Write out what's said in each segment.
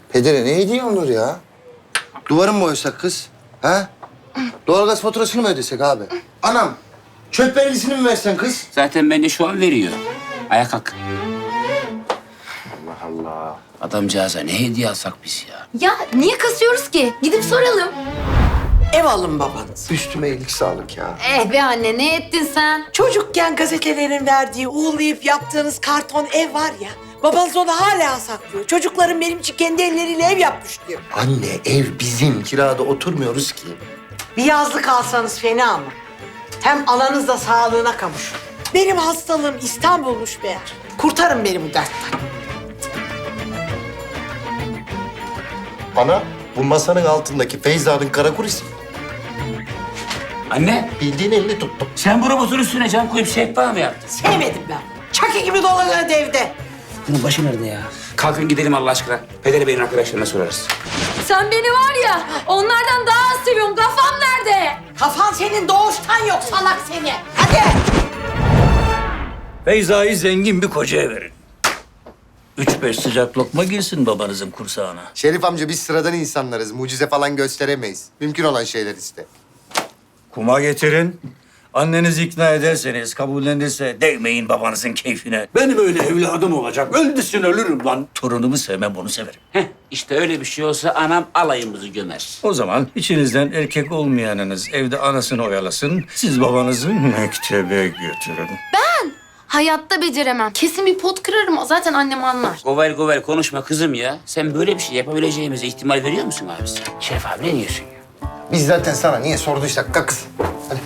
Pedere ne hediye olur ya? Duvarı mı boyasak kız? Ha? Doğalgaz faturasını mı ödesek abi? Anam, çöp vergisini mi versen kız? Zaten bence şu an veriyor. Ayağa kalk. Allah Allah. Adamcağıza ne hediye alsak biz ya? Ya niye kasıyoruz ki? Gidip soralım. Ev alın babanız. Üstüme iyilik sağlık ya. Be anne ne ettin sen? Çocukken gazetelerin verdiği uğurlayıp yaptığınız karton ev var ya. Babanız onu hala saklıyor. Çocuklarım benim için kendi elleriyle ev yapmış diyor. Anne ev bizim. Kirada oturmuyoruz ki. Bir yazlık alsanız fena mı? Hem ananız da sağlığına kavuşur. Benim hastalığım İstanbul'muş meğer. Kurtarın beni bu dertten. Ana, bu masanın altındaki Feyza'nın kara kurisi. Anne, Bildiğin elini tuttum. sen bu robotun üstüne cam koyup sehpa mı yaptın? Sevmedim ben. Çaki gibi dolanıyordu evde. Bunun başı nerede ya? Kalkın gidelim Allah aşkına. Pederi Bey'in arkadaşlarına sorarız. Sen beni var ya onlardan daha az seviyorum. Kafam nerede? Kafan senin doğuştan yok salak seni. Hadi. Feyza'yı zengin bir kocaya verin. 3-5 sıcak lokma girsin babanızın kursağına. Şerif amca biz sıradan insanlarız. Mucize falan gösteremeyiz. Mümkün olan şeyler işte. Kuma getirin. Annenizi ikna ederseniz, kabullenirse değmeyin babanızın keyfine. Benim öyle evladım olacak. Öldüsün ölürüm lan. Torunumu sevmem, bunu severim. Heh, işte öyle bir şey olsa anam alayımızı gömer. O zaman içinizden erkek olmayanınız evde anasını oyalasın. Siz babanızı mektebe götürün. Hayatta beceremem. Kesin bir pot kırarım. Zaten annem anlar. Govel govel konuşma kızım ya. Sen böyle bir şey yapabileceğimize ihtimal veriyor musun abisi? Şeref abi ne diyorsun ya? Biz zaten sana niye sorduysak kalk kız. Hadi.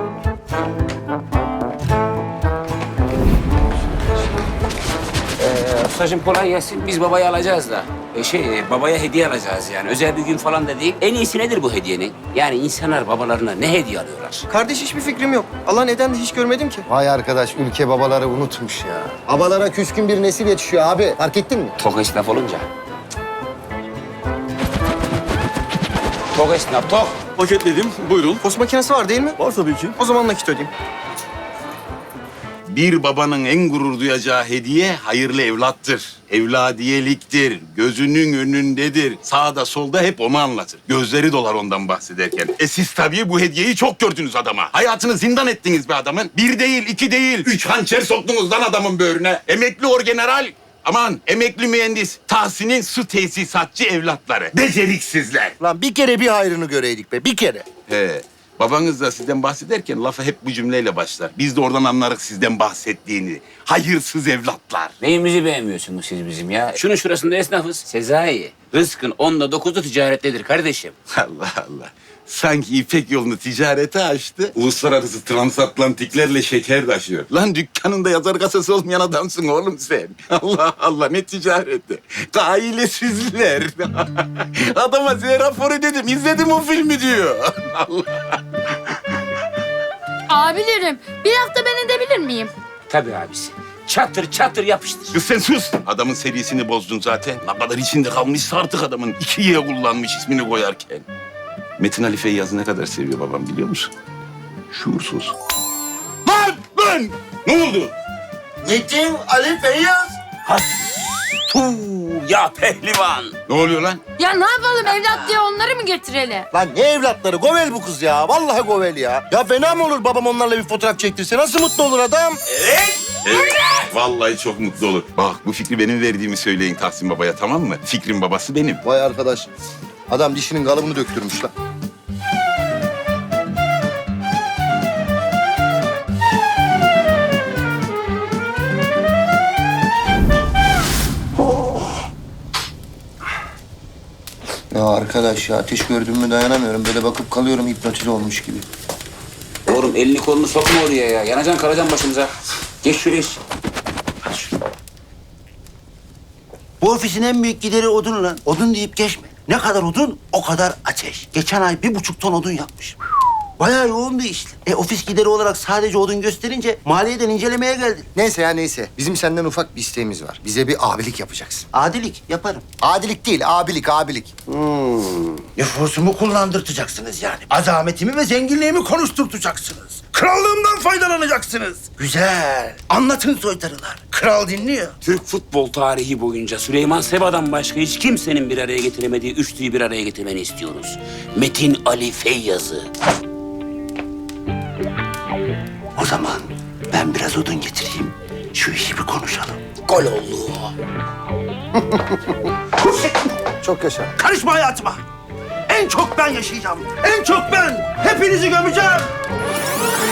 Ustacığım kolay gelsin. Biz babayı alacağız da. Babaya hediye alacağız yani. Özel bir gün falan da değil. En iyisi nedir bu hediyenin? Yani insanlar babalarına ne hediye alıyorlar? Kardeş hiçbir fikrim yok. Allah neden de hiç görmedim ki. Vay arkadaş ülke babaları unutmuş ya. Babalara küskün bir nesil yetişiyor abi. Fark ettin mi? Tok esnaf olunca. Tok esnaf, tok. Paketledim. Buyurun. Post makinesi var değil mi? Var tabii ki. O zaman nakit ödeyeyim. Bir babanın en gurur duyacağı hediye hayırlı evlattır. Evladiyeliktir, gözünün önündedir. Sağda solda hep onu anlatır. Gözleri dolar ondan bahsederken. Siz tabii bu hediyeyi çok gördünüz adama. Hayatını zindan ettiniz be adamın. Bir değil, iki değil, 3 hançer soktunuz lan adamın böğrüne. Emekli orgeneral. Aman emekli mühendis Tahsin'in su tesisatçı evlatları. Beceriksizler. Lan bir kere bir hayrını göreydik be bir kere. He. Babanız da sizden bahsederken lafa hep bu cümleyle başlar. Biz de oradan anlarız sizden bahsettiğini. Hayırsız evlatlar. Neyimizi beğenmiyorsunuz siz bizim ya? Şunun şurasında esnafız. Sezai, rızkın 10'da 9'u ticarettedir kardeşim. Allah Allah. Sanki İpek yolunu ticarete açtı. Uluslararası transatlantiklerle şeker taşıyor. Lan dükkanında yazar kasası olmayan adamsın oğlum sen. Allah Allah ne ticareti. Ailesizler. Adama size raporu dedim. İzledim o filmi diyor. Abilerim bir hafta ben edebilir miyim? Tabii abisi. Çatır çatır yapıştır. Kız sen sus. Adamın serisini bozdun zaten. Ne kadar içinde kalmışsa artık adamın. 2Y kullanmış ismini koyarken. Metin Ali Feyyaz'ı ne kadar seviyor babam biliyor musun? Şuursuz. Lan! Ne oldu? Metin Ali Feyyaz. Ya pehlivan. Ne oluyor lan? Ya ne yapalım evlat diye onları mı getirelim? Lan ne evlatları? Govel bu kız ya. Vallahi govel ya. Ya fena mı olur babam onlarla bir fotoğraf çektirse? Nasıl mutlu olur adam? Evet. Vallahi çok mutlu olur. Bak bu fikri benim verdiğimi söyleyin Tahsin Baba'ya tamam mı? Fikrin babası benim. Vay arkadaş. Adam dişinin kalıbını döktürmüş lan. Ya arkadaş ya ateş gördüm mü dayanamıyorum. Böyle bakıp kalıyorum hipnotize olmuş gibi. Oğlum elini kolunu sokma oraya ya. Yanacaksın kalacaksın başımıza. Geç şuraya. Hadi şuraya. Bu ofisin en büyük gideri odun lan. Odun deyip geçme. Ne kadar odun, o kadar ateş. Geçen ay 1,5 ton odun yapmış. Bayağı yoğun bir işti. Ofis gideri olarak sadece odun gösterince maliyeden incelemeye geldi. Neyse ya neyse. Bizim senden ufak bir isteğimiz var. Bize bir abilik yapacaksın. Adilik yaparım. Adilik değil, abilik, abilik. Nüfusumu kullandırtacaksınız yani. Azametimi ve zenginliğimi konuşturtacaksınız. Krallığımdan faydalanacaksınız. Güzel. Anlatın soytarılar. Kral dinliyor. Türk futbol tarihi boyunca Süleyman Seba'dan başka hiç kimsenin bir araya getiremediği üçlüyü bir araya getirmeni istiyoruz. Metin Ali Feyyaz'ı. O zaman ben biraz odun getireyim. Şu işi bir konuşalım. Gol oldu. Çok yaşa. Karışma hayatıma. En çok ben yaşayacağım. En çok ben. Hepinizi gömeceğim.